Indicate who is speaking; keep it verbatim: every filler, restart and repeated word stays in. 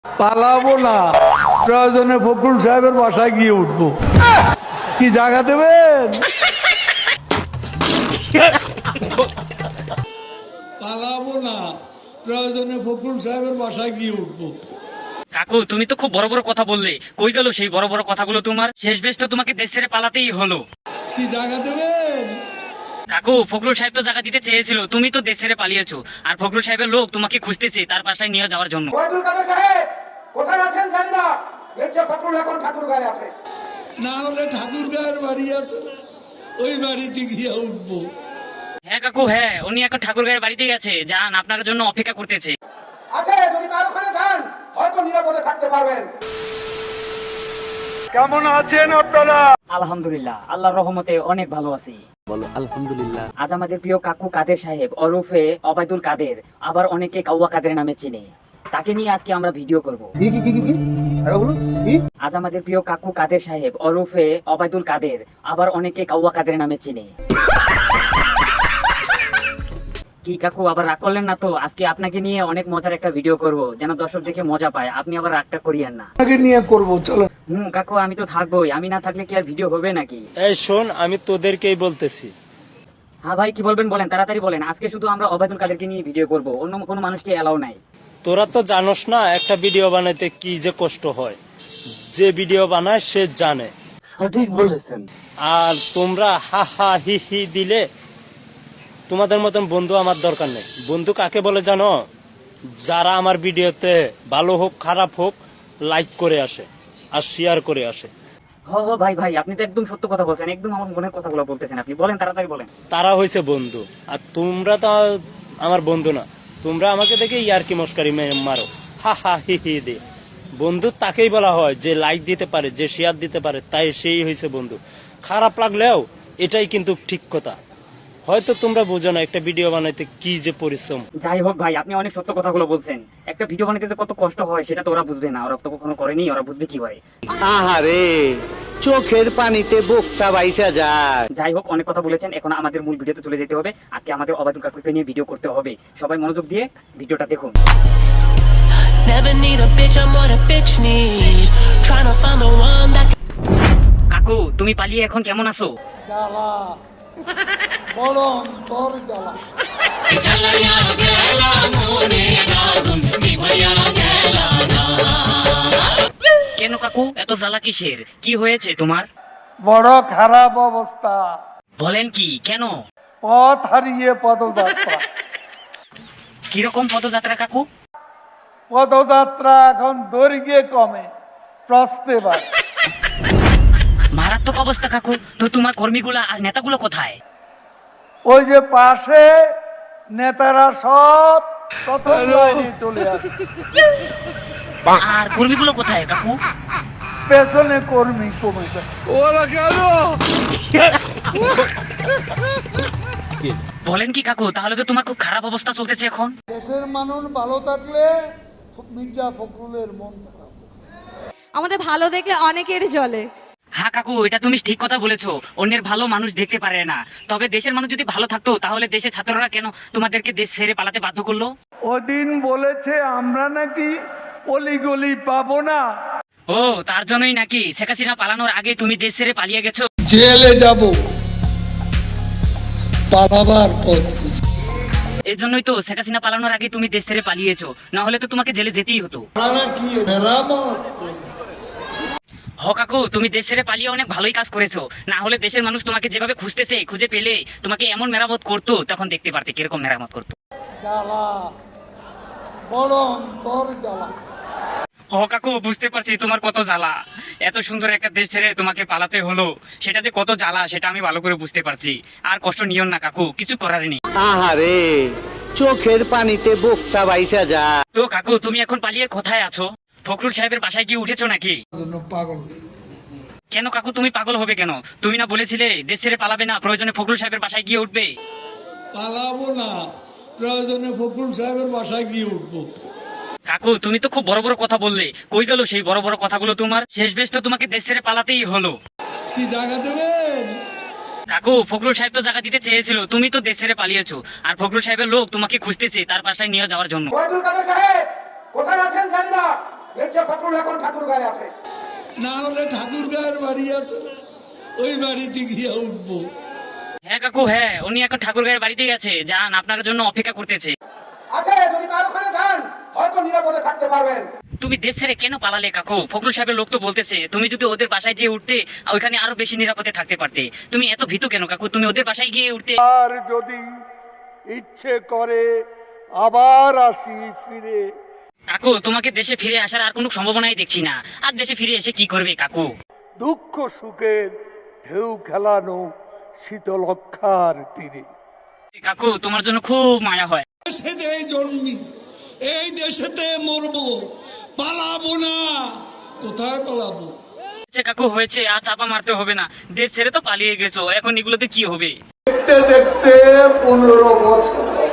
Speaker 1: পালাবো না, প্রয়োজনে ফখরুল সাহেবের বাসায় গিয়ে উঠবো। কি জায়গা দেবেন? পালাবো না, প্রয়োজনে ফখরুল সাহেবের বাসায় গিয়ে উঠবো।
Speaker 2: কাকু তুমি তো খুব বড় বড় কথা বললে, কই গেল সেই বড় বড় কথাগুলো তোমার? শেষ বেশ তো তোমাকে দেশ ছেড়ে পালাতেই হলো।
Speaker 1: কি জায়গা দেবেন?
Speaker 2: কাকু ফখরুল সাহেব তো জায়গা দিতে চেয়েছিল, তুমি তো দেশ ছেড়ে পালিয়েছো, আর ফখরুল সাহেবের লোক তোমাকে খুঁজতেছে তার বাসায় নিয়ে যাওয়ার জন্য।
Speaker 3: ওয়াহিদুল কাদের সাহেব কোথায় আছেন জানি না, মির্জা ফখরুল এখন ঠাকুরগাঁয়ে আছে।
Speaker 1: না হলে ঠাকুর গায়ের বাড়ি আছে, ওই বাড়িতে গিয়ে উঠবো।
Speaker 2: হ্যাঁ কাকু হ্যাঁ, উনি এখন ঠাকুর গায়ের বাড়িতে গেছে, যান আপনার জন্য অপেক্ষা করতেছে।
Speaker 3: আছে, যদি তার ওখানে যান হয়তো নিরাপদে থাকতে পারবেন।
Speaker 1: কেমন আছেন আপনারা?
Speaker 2: আলহামদুলিল্লাহ, আল্লাহর রহমতে অনেক ভালো আছি। বলো আলহামদুলিল্লাহ। আজ আমাদের প্রিয় কাকু কাদের সাহেব ওরফে অবায়দুল কাদের, আবার অনেকে কাউয়া কাদের নামে চিনে, তাকে নিয়ে আজকে আমরা ভিডিও করব। আজ আমাদের প্রিয় কাকু কাদের সাহেব ওরফে অবায়দুল কাদের, আবার অনেকে কাউয়া কাদের নামে চিনে। কি কাকু আবার রাগ করলেন না তো? আজকে আপনাকে নিয়ে অনেক মজার একটা ভিডিও করব, যেন দর্শক দেখে মজা পায়, আপনি আবার রাগটা করিয়েন না।
Speaker 1: আপনাকে নিয়ে করবো, চলো।
Speaker 2: হুম কাকু আমি তো থাকবোই, আমি না থাকলে কি আর ভিডিও হবে নাকি?
Speaker 4: এই শোন, আমি তোদেরকেই বলতেছি।
Speaker 2: হ্যাঁ ভাই কি বলবেন বলেন, তাড়াতাড়ি বলেন। আজকে শুধু আমরা অবায়দুল কাদেরকে নিয়ে ভিডিও করব, অন্য কোনো মানুষকে এলাও নাই।
Speaker 4: তোরা তো জানোস না একটা ভিডিও বানাইতে কি যে কষ্ট হয়, যে ভিডিও বানায় সে জানে।
Speaker 2: সঠিক বলেছেন।
Speaker 4: আর তোমরা হা হা হি হি দিলে, তোমাদের মতন বন্ধু আমার দরকার নেই। বন্ধু কাকে বলে জানো? যারা আমার ভিডিওতে ভালো হোক খারাপ হোক লাইক করে আসে আর শেয়ার করে আসে।
Speaker 2: হ হ ভাই ভাই, আপনি তো একদম সত্য কথা বলছেন, একদম আমার মনের কথাগুলো বলতেছেন আপনি। বলেন তাড়াতাড়ি বলেন।
Speaker 4: তারা হয়েছে বন্ধু, আর তোমরা তো আমার বন্ধু না। তোমরা আমাকে দেখে ইয়ারকি মস্কারি মারো, হা হা হি হি দে। বন্ধু তাকেই বলা হয় যে লাইক দিতে পারে, যে শেয়ার দিতে পারে, তাই সেই হয়েছে বন্ধু। খারাপ লাগলেও এটাই কিন্তু ঠিক কথা। হয়তো তোমরা বুঝো না একটা ভিডিও বানাইতে কি যে পরিশ্রম।
Speaker 2: যাই হোক ভাই, আপনি অনেক সত্য কথাগুলো বলছেন। একটা ভিডিও বানাইতে যে কত কষ্ট হয় সেটা তো ওরা বুঝবে না, ওরা তো কখনো করেনি, ওরা বুঝবে কি হয়?
Speaker 5: আহারে, চোখের পানিতে বুকটা বাইসা যায়।
Speaker 2: যাই হোক, অনেক কথা বলেছেন, এখন আমাদের মূল ভিডিওতে চলে যেতে হবে। আজকে আমাদের অবায়দুল কাকুকে নিয়ে ভিডিও করতে হবে, সবাই মনোযোগ দিয়ে ভিডিওটা দেখুন।
Speaker 6: Never need a bitch, I'm what a bitch need. Trying to find the one that
Speaker 2: কাকু তুমি পালিয়ে এখন কেমন আছো?
Speaker 1: জ্বালা, বড় অন্তর জ্বালা।
Speaker 2: কেন কাকু এত জ্বালা কিসের? কি হয়েছে তোমার?
Speaker 1: বড় খারাপ অবস্থা।
Speaker 2: বলেন কি? কেন?
Speaker 1: পথ হারিয়ে পদযাত্রা।
Speaker 2: কিরকম পদযাত্রা কাকু?
Speaker 1: পদযাত্রা এখন দৈর্ঘ্যে কমে, প্রস্তে বাড়ে।
Speaker 2: মারাত্মক অবস্থা কাকু। তো তোমার কর্মীগুলা আর নেতাগুলো কোথায়?
Speaker 1: ওই যে পাশে নেতারা সব প্রথম লাইনে চলে আসে।
Speaker 2: আর কর্মীগুলো কোথায় কাকু?
Speaker 1: পেছনে কর্মী কমে যায়।
Speaker 2: বলেন কি কাকু? তাহলে তো তোমার খুব খারাপ অবস্থা চলতেছে এখন।
Speaker 1: দেশের মানুষ ভালো থাকলে মির্জা ফখরুলের মন খারাপ।
Speaker 7: আমাদের ভালো দেখলে অনেকের জ্বলে।
Speaker 2: হ্যাঁ কাকু, এটা তুমি ঠিক কথা বলেছো, অন্যের ভালো মানুষ দেখতে পারে না। তবে দেশের মানুষ যদি ভালো থাকতো তাহলে দেশের ছাত্ররা কেন তোমাদেরকে দেশ ছেড়ে পালাতে বাধ্য করলো?
Speaker 1: ওদিন বলেছে আমরা নাকি অলিগলি পাবো না।
Speaker 2: ও তার জন্যই নাকি শেখ হাসিনা পালানোর আগে তুমি দেশ ছেড়ে পালিয়ে গেছো?
Speaker 1: জেলে যাব, পালাবার পথ।
Speaker 2: এই জন্যই তো শেখ হাসিনা পালানোর আগে তুমি দেশ ছেড়ে পালিয়েছো, না হলে তো তোমাকে জেলে যেতেই হতো।
Speaker 1: কি মেরামত?
Speaker 2: হ কাকু, তুমি দেশ ছেড়ে পালিয়ে অনেক ভালোই কাজ করেছো, না হলে দেশের মানুষ তোমাকে যেভাবে খুঁজতেছে, খুঁজে পেলে তোমাকে এমন মেরামত করতো, তখন দেখতে পারতে কিরকম মেরামত করতো।
Speaker 1: জ্বালা, বড় অন্তর জ্বালা।
Speaker 2: হ কাকু, বুঝতে পারছি তোমার কত জ্বালা। এত সুন্দর একটা দেশ ছেড়ে তোমাকে পালাতে হলো, সেটা যে কত জ্বালা সেটা আমি ভালো করে বুঝতে পারছি। আর কষ্ট নিও না কাকু, কিছু করার নেই।
Speaker 5: আহারে, চোখের পানিতে বুকটা বাইসা যায়।
Speaker 2: তো কাকু তুমি এখন পালিয়ে কোথায় আছো? ফখরুল সাহেবের বাসায় গিয়ে উঠেছো নাকি?
Speaker 1: পাগল।
Speaker 2: কেন কাকু তুমি পাগল হবে কেন? তুমি না বলেছিলে দেশ ছেড়ে পালাবে না, প্রয়োজনে ফখরুল সাহেবের বাসায় গিয়ে উঠবে?
Speaker 1: পালাবো না, প্রয়োজনে ফখরুল সাহেবের বাসায় গিয়ে উঠবো।
Speaker 2: কাকু তুমি তো খুব বড় বড় কথা বললে, কই গেল সেই বড় বড় কথাগুলো তোমার? শেষ বেশ তো তোমাকে দেশ ছেড়ে পালাতেই হলো।
Speaker 1: কি জায়গা দেবেন?
Speaker 2: কাকু ফখরুল সাহেব তো জায়গা দিতে চেয়েছিল, তুমি তো দেশ ছেড়ে পালিয়েছো, আর ফখরুল সাহেবের লোক তোমাকে খুঁজতেছে তার বাসায় নিয়ে যাওয়ার জন্য।
Speaker 3: ওয়াহিদুল কাদের সাহেব কোথায় আছেন জানি না, ফখরুল এখন ঠাকুর গায়ে আছে।
Speaker 1: না হলে ঠাকুর গায়ের বাড়ি আছে, ওই বাড়িতে গিয়ে উঠবো।
Speaker 2: হ্যাঁ কাকু, হ্যাঁ উনি এখন ঠাকুর গায়ের বাড়িতে গেছে, যান আপনার জন্য অপেক্ষা করতেছে।
Speaker 3: আছে, যদি তার ওখানে যান হয়তো নিরাপদে থাকতে পারবেন।
Speaker 2: তুমি দেশ ছেড়ে কেন পালালে কাকু? ফখরুল সাহেবের লোক তো বলতেছে তুমি যদি ওদের বাসায় গিয়ে উঠতে ওইখানে আরো বেশি নিরাপদে থাকতে পারতে। তুমি এত ভীতু কেন কাকু? তুমি ওদের বাসায় গিয়ে উঠতে।
Speaker 1: আর যদি ইচ্ছে করে আবার আসি ফিরে।
Speaker 2: কাকু তোমাকে দেশে ফিরে আসার আর কোনো সম্ভাবনাই দেখছি না। আর দেশে ফিরে এসে কি করবে কাকু?
Speaker 1: দুঃখ সুখের ঢেউ খেলানো শীতলক্ষার তীরে।
Speaker 2: কাকু তোমার জন্য খুব মায়া হয়।
Speaker 1: দেশেতেই জন্মি, এই দেশেতে মরবো, পালাবো না। কোথায় পালাবো?
Speaker 2: আচ্ছা কাকু হয়েছে, আর চাপা মারতে হবে না। দেশ ছেড়ে তো পালিয়ে গেছো, এখন এগুলোতে কি হবে?
Speaker 1: দেখতে দেখতে পনেরো বছর